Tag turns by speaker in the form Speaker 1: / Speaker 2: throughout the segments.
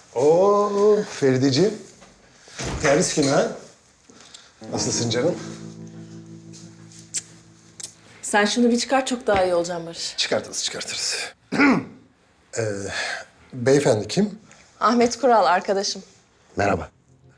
Speaker 1: Oo Ferideciğim. Terlis günü ha? Nasılsın canım?
Speaker 2: Sen şunu bir çıkar, çok daha iyi olacağım Barış.
Speaker 1: Çıkartırız. Beyefendi kim?
Speaker 2: Ahmet Kural arkadaşım.
Speaker 1: Merhaba.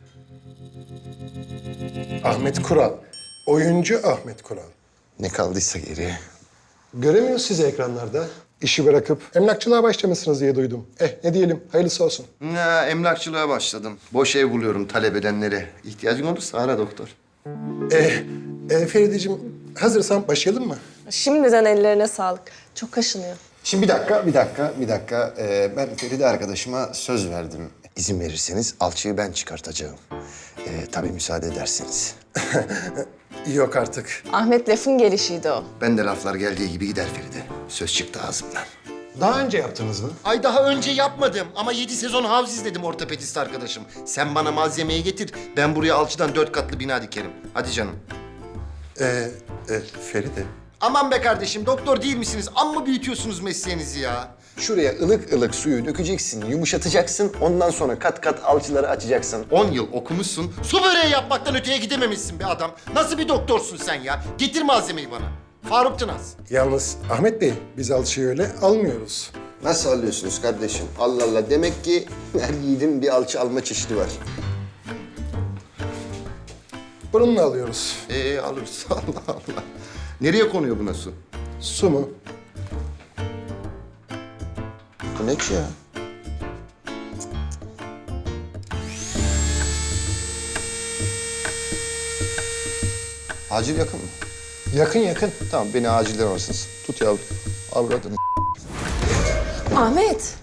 Speaker 1: Ahmet Kural. Oyuncu Ahmet Kural.
Speaker 3: Ne kaldıysa geriye.
Speaker 1: Göremiyoruz sizi ekranlarda. İşi bırakıp emlakçılığa başlamışsınız diye duydum. Ne diyelim, hayırlısı olsun.
Speaker 3: Ya, emlakçılığa başladım. Boş ev buluyorum talep edenlere. İhtiyacın olursa ara doktor.
Speaker 1: Ferideciğim, hazırsan başlayalım mı?
Speaker 2: Şimdiden ellerine sağlık. Çok kaşınıyor.
Speaker 3: Şimdi bir dakika. Ben Feride arkadaşıma söz verdim. İzin verirseniz alçıyı ben çıkartacağım. Tabii müsaade ederseniz.
Speaker 1: Yok artık.
Speaker 2: Ahmet lafın gelişiydi o.
Speaker 3: Ben de laflar geldiği gibi gider Feride. Söz çıktı ağzımdan.
Speaker 1: Daha önce yaptınız mı?
Speaker 3: Ay daha önce yapmadım ama 7 sezon havz izledim ortopedist arkadaşım. Sen bana malzemeyi getir, ben buraya alçıdan 4 katlı bina dikerim. Hadi canım.
Speaker 1: Feride.
Speaker 3: Aman be kardeşim, doktor değil misiniz? Amma büyütüyorsunuz mesleğinizi ya. Şuraya ılık ılık suyu dökeceksin, yumuşatacaksın. Ondan sonra kat kat alçıları açacaksın. 10 yıl okumuşsun, su böreği yapmaktan öteye gidememişsin be adam. Nasıl bir doktorsun sen ya? Getir malzemeyi bana. Faruk Tınaz.
Speaker 1: Yalnız Ahmet Bey, biz alçıyı öyle almıyoruz.
Speaker 3: Nasıl alıyorsunuz kardeşim? Allah Allah, demek ki her yiğidin bir alçı alma çeşidi var.
Speaker 1: Bununla alıyoruz.
Speaker 3: Alırız. Allah Allah. Nereye konuyor buna su?
Speaker 1: Su mu?
Speaker 3: Bu ne ki ya? Acil yakın mı?
Speaker 1: Yakın.
Speaker 3: Tamam, beni acilden alırsınız. Tut yavrum. Avradını.
Speaker 2: Ahmet.